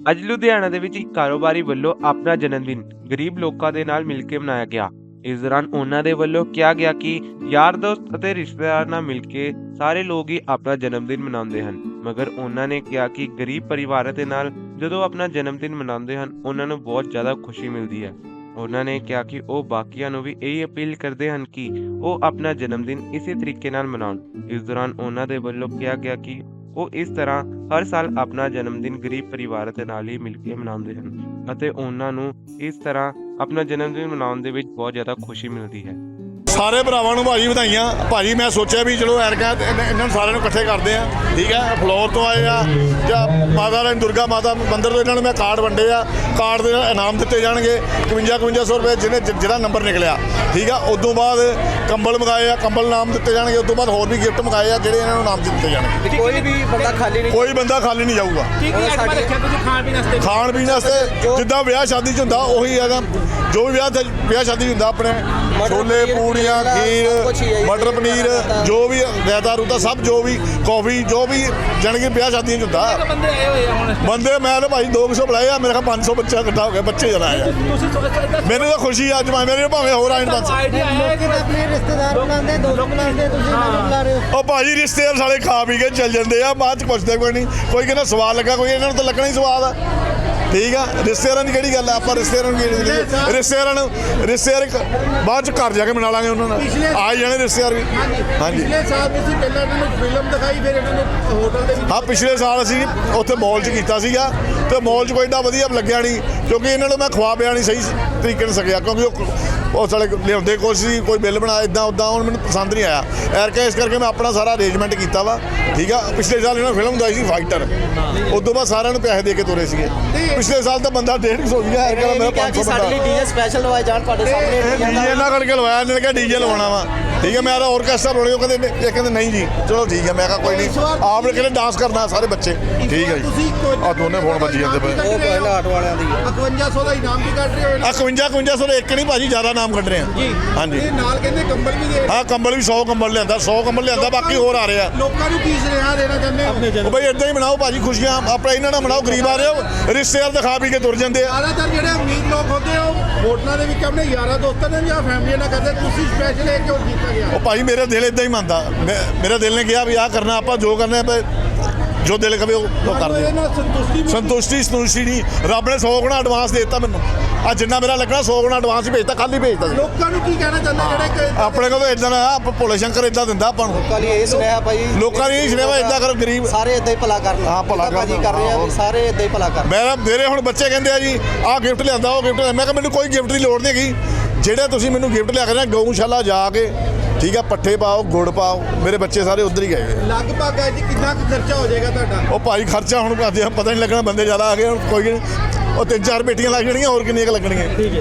ਅੱਜ ਲੁਧਿਆਣਾ ਦੇ ਵਿੱਚ ਇੱਕ ਕਾਰੋਬਾਰੀ ਵੱਲੋਂ ਆਪਣਾ ਜਨਮ ਦਿਨ ਗਰੀਬ ਲੋਕਾਂ ਦੇ ਨਾਲ ਮਿਲ ਕੇ ਮਨਾਇਆ ਗਿਆ। ਇਸ ਦੌਰਾਨ ਉਹਨਾਂ ਦੇ ਵੱਲੋਂ ਕਿਹਾ ਗਿਆ ਕਿ ਯਾਰ ਦੋਸਤ ਅਤੇ ਰਿਸ਼ਤੇਦਾਰ ਨਾਲ ਮਿਲ ਕੇ ਸਾਰੇ ਲੋਕ ਹੀ ਆਪਣਾ ਜਨਮ ਦਿਨ ਮਨਾਉਂਦੇ ਹਨ, ਮਗਰ ਉਹਨਾਂ ਨੇ ਕਿਹਾ ਕਿ ਗਰੀਬ ਪਰਿਵਾਰਾਂ ਦੇ ਨਾਲ ਜਦੋਂ ਆਪਣਾ ਜਨਮ ਦਿਨ ਮਨਾਉਂਦੇ ਹਨ ਉਹਨਾਂ ਨੂੰ ਬਹੁਤ ਜ਼ਿਆਦਾ ਖੁਸ਼ੀ ਮਿਲਦੀ ਹੈ। ਉਹਨਾਂ ਨੇ ਕਿਹਾ ਕਿ ਉਹ ਬਾਕੀਆਂ ਨੂੰ ਵੀ ਇਹ ਅਪੀਲ ਕਰਦੇ ਹਨ ਕਿ ਉਹ ਆਪਣਾ ਜਨਮ ਦਿਨ ਇਸੇ ਤਰੀਕੇ ਨਾਲ ਮਨਾਉਣ। ਇਸ ਦੌਰਾਨ ਉਹਨਾਂ ਦੇ ਵੱਲੋਂ ਕਿਹਾ ਗਿਆ ਕਿ ਉਹ ਇਸ ਤਰ੍ਹਾਂ ਹਰ ਸਾਲ ਆਪਣਾ ਜਨਮ ਦਿਨ ਗਰੀਬ ਪਰਿਵਾਰਾਂ ਦੇ ਨਾਲ ਹੀ ਮਿਲ ਕੇ ਮਨਾਉਂਦੇ ਹਨ ਅਤੇ ਉਹਨਾਂ ਨੂੰ ਇਸ ਤਰ੍ਹਾਂ ਆਪਣਾ ਜਨਮ ਦਿਨ ਮਨਾਉਣ ਦੇ ਵਿੱਚ ਬਹੁਤ ਜ਼ਿਆਦਾ ਖੁਸ਼ੀ ਮਿਲਦੀ ਹੈ। ਸਾਰੇ ਭਰਾਵਾਂ ਨੂੰ ਭਾਜੀ ਵਧਾਈਆਂ। ਭਾਜੀ ਮੈਂ ਸੋਚਿਆ ਵੀ ਚਲੋ ਐਰਕਾ ਇਹਨਾਂ ਨੂੰ ਸਾਰਿਆਂ ਨੂੰ ਇਕੱਠੇ ਕਰਦੇ ਆ, ਠੀਕ ਹੈ। ਫਲੋਰ ਤੋਂ ਆਏ ਆ ਜਾਂ ਮਾਤਾ ਰਾਣੀ ਦੁਰਗਾ ਮਾਤਾ ਮੰਦਿਰ ਤੋਂ ਇਹਨਾਂ ਨੂੰ ਮੈਂ ਕਾਰਡ ਵੰਡੇ ਆ। ਕਾਰਡ ਦੇ ਨਾਲ ਇਨਾਮ ਦਿੱਤੇ ਜਾਣਗੇ 5500 ਰੁਪਏ ਜਿਹੜਾ ਨੰਬਰ ਨਿਕਲਿਆ, ਠੀਕ ਆ। ਉਦੋਂ ਬਾਅਦ ਕੰਬਲ ਮੰਗਾਏ ਆ, ਕੰਬਲ ਇਨਾਮ ਦਿੱਤੇ ਜਾਣਗੇ। ਉਦੋਂ ਬਾਅਦ ਹੋਰ ਵੀ ਗਿਫਟ ਮੰਗਾਏ ਆ ਜਿਹੜੇ ਇਹਨਾਂ ਨੂੰ ਇਨਾਮ ਦਿੱਤੇ ਜਾਣਗੇ। ਕੋਈ ਵੀ ਬੰਦਾ ਖਾਲੀ ਨਹੀਂ ਜਾਊਗਾ। ਖਾਣ ਪੀਣ ਵਾਸਤੇ ਜਿੱਦਾਂ ਵਿਆਹ ਸ਼ਾਦੀ 'ਚ ਹੁੰਦਾ ਉਹੀ ਹੈਗਾ। ਜੋ ਵੀ ਵਿਆਹ ਸ਼ਾਦੀ 'ਚ ਹੁੰਦਾ ਆਪਣੇ ਛੋਲੇ ਪੂੜੀਆਂ ਖੀਰ ਮਟਰ ਪਨੀਰ ਜੋ ਵੀ ਰਾਇਤਾ ਰੂਤਾ ਸਭ ਜੋ ਵੀ ਕੌਫੀ ਜੋ ਵੀ ਜਾਣੀ ਕਿ ਵਿਆਹ ਸ਼ਾਦੀਆਂ 'ਚ ਹੁੰਦਾ। ਬੰਦੇ ਮੈਂ ਤਾਂ ਭਾਈ 200 ਬੁਲਾਏ ਆ, ਮੇਰੇ ਖਿਆਲ 500 ਬੱਚਾ ਇਕੱਠਾ ਹੋ ਗਿਆ, ਬੱਚੇ ਜਣਾ ਆਏ। ਮੈਨੂੰ ਤਾਂ ਖੁਸ਼ੀ ਅੱਜ ਮੇਰੇ ਭਾਵੇਂ ਹੋਰ ਆਏ 500। ਉਹ ਭਾਜੀ ਰਿਸ਼ਤੇਦਾਰ ਸਾਲੇ ਖਾ ਪੀ ਕੇ ਚੱਲ ਜਾਂਦੇ ਆ, ਬਾਅਦ 'ਚ ਪੁੱਛਦੇ ਕੋਈ ਨਹੀਂ। ਕੋਈ ਕਹਿੰਦਾ ਸਵਾਦ ਲੱਗਾ, ਕੋਈ ਇਹਨਾਂ ਨੂੰ ਤਾਂ ਲੱਗਣਾ ਹੀ ਸਵਾਦ ਆ, ਠੀਕ ਆ। ਰਿਸ਼ਤੇਦਾਰਾਂ ਦੀ ਕਿਹੜੀ ਗੱਲ ਆ, ਆਪਾਂ ਰਿਸ਼ਤੇਦਾਰਾਂ ਨੂੰ ਰਿਸ਼ਤੇਦਾਰ ਬਾਅਦ 'ਚ ਘਰ ਜਾ ਕੇ ਮਨਾ ਲਾਂਗੇ ਉਹਨਾਂ ਨਾਲ, ਆ ਹੀ ਜਾਣੇ ਰਿਸ਼ਤੇਦਾਰ ਵੀ। ਹਾਂਜੀ ਪਿਛਲੇ ਸਾਲ ਤੁਸੀਂ ਪਹਿਲਾਂ ਇਹਨਾਂ ਨੂੰ ਫਿਲਮ ਦਿਖਾਈ, ਫਿਰ ਇਹਨਾਂ ਨੂੰ ਹੋਟਲ ਦੇ ਵਿੱਚ। ਹਾਂ, ਪਿਛਲੇ ਸਾਲ ਅਸੀਂ ਉੱਥੇ ਮੌਲ 'ਚ ਕੀਤਾ ਸੀਗਾ ਤੇ ਮੌਲ 'ਚ ਕੋਈ ਏਡਾ ਵਧੀਆ ਲੱਗਿਆ ਨਹੀਂ ਕਿਉਂਕਿ ਇਹਨਾਂ ਨੂੰ ਮੈਂ ਖਵਾ ਪਿਆ ਨਹੀਂ ਸਹੀ ਤਰੀਕੇ ਨਾਲ ਸਕਿਆ ਕਿਉਂਕਿ ਉਹ ਸਾਲੇ ਲਿਆਉਂਦੇ ਕੁਛ ਸੀ, ਕੋਈ ਬਿੱਲ ਬਣਾ ਇੱਦਾਂ ਉੱਦਾਂ, ਹੁਣ ਮੈਨੂੰ ਪਸੰਦ ਨਹੀਂ ਆਇਆ ਐਰਕਾ। ਇਸ ਕਰਕੇ ਮੈਂ ਆਪਣਾ ਸਾਰਾ ਅਰੇਂਜਮੈਂਟ ਕੀਤਾ ਵਾ, ਠੀਕ ਆ। ਪਿਛਲੇ ਸਾਲ ਇਹਨਾਂ ਫਿਲਮ ਦਿਖਾਈ ਸੀ ਫਾਈਟਰ, ਉਦੋਂ ਬਾਅਦ ਸਾਰਿਆਂ ਨੂੰ ਪੈਸੇ ਦੇ ਕੇ ਤੁਰੇ ਸੀਗੇ। ਪਿਛਲੇ ਸਾਲ ਤਾਂ ਬੰਦਾ 150 ਸੀਗਾ, ਐਰਕਾ ਦਾ ਮੇਰਾ 500 ਸਾਡੇ ਲਈ ਡੀਜੇ ਸਪੈਸ਼ਲ ਲਵਾਏ ਜਾਣ ਤੁਹਾਡੇ ਸਾਹਮਣੇ। ਡੀਜੇ ਇਹਨਾਂ ਕਰਕੇ ਲਵਾਇਆ, ਇਹਨਾਂ ਨੇ ਕਿਹਾ ਡੀਜੇ ਲਵਾਉਣਾ ਵਾ, ਠੀਕ ਹੈ। ਮੈਂ ਤਾਂ ਆਰਕੈਸਟਰਾ ਲਾਉਣੀ, ਉਹ ਕਹਿੰਦੇ ਨਹੀਂ ਜੀ ਚਲੋ ਠੀਕ ਹੈ। ਮੈਂ ਕਿਹਾ ਕੋਈ ਨਹੀਂ, ਆਪ ਨੇ ਕਹਿੰਦੇ ਡਾਂਸ ਕਰਨਾ ਸਾਰੇ ਬੱਚੇ, ਠੀਕ ਹੈ ਜੀ। ਆ ਦੋਨੇ ਫੋਨ ਵੱਜੀ ਜਾਂਦੇ ਪਏ। ਉਹ ਪਹਿਲਾਂ ਆਟੋ ਵਾਲਿਆਂ ਦੀ 5500 ਦਾ ਇਨਾਮ ਵੀ ਕੱਢ ਰਹੇ ਹੋ। 5500 ਦਾ ਇੱਕ ਨਹੀਂ ਭਾਜੀ, ਜ਼ਿਆਦਾ ਨਾਮ ਕੱਢ ਰਹੇ ਆ ਜੀ ਹਾਂਜੀ। ਇਹ ਨਾਲ ਕਹਿੰਦੇ ਕੰਬਲ ਵੀ ਦੇ। ਹਾਂ, ਕੰਬਲ ਵੀ 100 ਕੰਬਲ ਲਿਆਂਦਾ, 100 ਕੰਬਲ ਲਿਆਂਦਾ, ਬਾਕੀ ਹੋਰ ਆ ਰਹੇ ਆ। ਲੋਕਾਂ ਨੂੰ ਕੀ ਸੁਨੇਹਾ ਦੇਣਾ ਚਾਹੁੰਦੇ ਹੋ? ਉਹ ਬਈ ਏਦਾਂ ਹੀ ਮਨਾਓ ਭਾਜੀ ਖੁਸ਼ੀਆਂ, ਆਪਣਾ ਇਹਨਾਂ ਨਾਲ ਮਨਾਓ। ਗਰੀਬ ਆ ਰਹੇ ਹੋ, ਰਿਸ਼ਤੇਦਾਰ ਦਿਖਾ ਪੀ ਕੇ ਤੁਰ ਜਾਂਦੇ ਆ। ਜ਼ਿਆਦਾਤਰ ਜਿਹੜੇ ਅਮੀਰ ਲੋਕ ਹੁੰਦੇ ਹੋ ਹੋਟਲਾਂ ਦੇ ਵਿੱਚ ਆਪਣੇ ਯਾਰਾਂ ਦੋਸਤਾਂ ਨਾਲ ਜਾਂ ਫੈਮਿਲੀ ਨਾਲ ਕਰਦੇ, ਤੁਸੀਂ ਸਪੈਸ਼ਲ ਇਹ ਕਿਉਂ ਕੀਤਾ ਗਿਆ? ਉਹ ਭਾਜੀ ਮੇਰਾ ਦਿਲ ਏਦਾਂ ਹੀ ਮੰਨਦਾ, ਮੇਰਾ ਦਿਲ ਨੇ ਕਿਹਾ ਵੀ ਆਹ ਕਰਨਾ, ਆਪਾਂ ਜੋ ਕਰਨਾ ਜੋ ਦਿਲ ਕਵੇ ਉਹ ਕਰਦੇ। ਸੰਤੁਸ਼ਟੀ ਨਹੀਂ, ਰੱਬ ਨੇ 100 ਗੁਣਾ ਐਡਵਾਂਸ ਦੇ ਦਿੱਤਾ ਮੈਨੂੰ। ਆ ਜਿੰਨਾ ਮੇਰਾ ਲੱਗਣਾ 100 ਗੁਣਾ ਐਡਵਾਂਸ ਹੀ ਭੇਜਤਾ, ਕੱਲ ਹੀ ਭੇਜਤਾ ਸੀ। ਲੋਕਾਂ ਨੂੰ ਕੀ ਕਹਿਣਾ ਚਾਹੁੰਦੇ ਜਿਹੜੇ ਆਪਣੇ ਕੋਲ ਤਾਂ ਇਦਾਂ ਨਾ ਭੋਲੇ ਸ਼ੰਕਰ ਇਦਾਂ ਦਿੰਦਾ ਆਪਾਂ ਨੂੰ। ਲੋਕਾਂ ਲਈ ਇਹ ਸੁਨੇਹਾ ਭਾਈ, ਲੋਕਾਂ ਨੇ ਇਹ ਸੁਨੇਹਾ ਇਦਾਂ ਕਰੋ, ਗਰੀਬ ਸਾਰੇ ਇਦਾਂ ਹੀ ਭਲਾ ਕਰਨ। ਹਾਂ, ਭਲਾ ਭਾਜੀ ਕਰ ਰਹੇ ਆ, ਸਾਰੇ ਇਦਾਂ ਹੀ ਭਲਾ ਕਰਨ। ਮੇਰੇ ਹੁਣ ਬੱਚੇ ਕਹਿੰਦੇ ਆ ਜੀ ਆਹ ਗਿਫਟ ਲਿਆਂਦਾ, ਉਹ ਗਿਫਟ। ਮੈਂ ਕਿਹਾ ਮੈਨੂੰ ਕੋਈ ਗਿਫਟ ਦੀ ਲੋੜ ਨਹੀਂ ਹੈਗੀ। ਜਿਹੜੇ ਤੁਸੀਂ ਮੈਨੂੰ ਗਿਫਟ ਲਿਆ ਕੇ ਨਾ ਗਊਸ਼ਾਲਾ ਜਾ ਕੇ, ਠੀਕ ਆ, ਪੱਠੇ ਪਾਓ, ਗੁੜ ਪਾਓ। ਮੇਰੇ ਬੱਚੇ ਸਾਰੇ ਉੱਧਰ ਹੀ ਗਏ। ਲਗਭਗ ਅੱਜ ਕਿੰਨਾ ਕੁ ਖਰਚਾ ਹੋ ਜਾਏਗਾ ਤੁਹਾਡਾ? ਉਹ ਭਾਈ ਖਰਚਾ ਹੁਣ ਪਤਾ ਨਹੀਂ ਲੱਗਣਾ, ਬੰਦੇ ਜ਼ਿਆਦਾ ਆ ਗਏ ਹੁਣ ਕੋਈ ਨਹੀਂ। ਉਹ 3-4 ਬੇਟੀਆਂ ਲੱਗ ਜਾਣਗੀਆਂ, ਹੋਰ ਕਿੰਨੀਆਂ ਕੁ ਲੱਗਣਗੀਆਂ।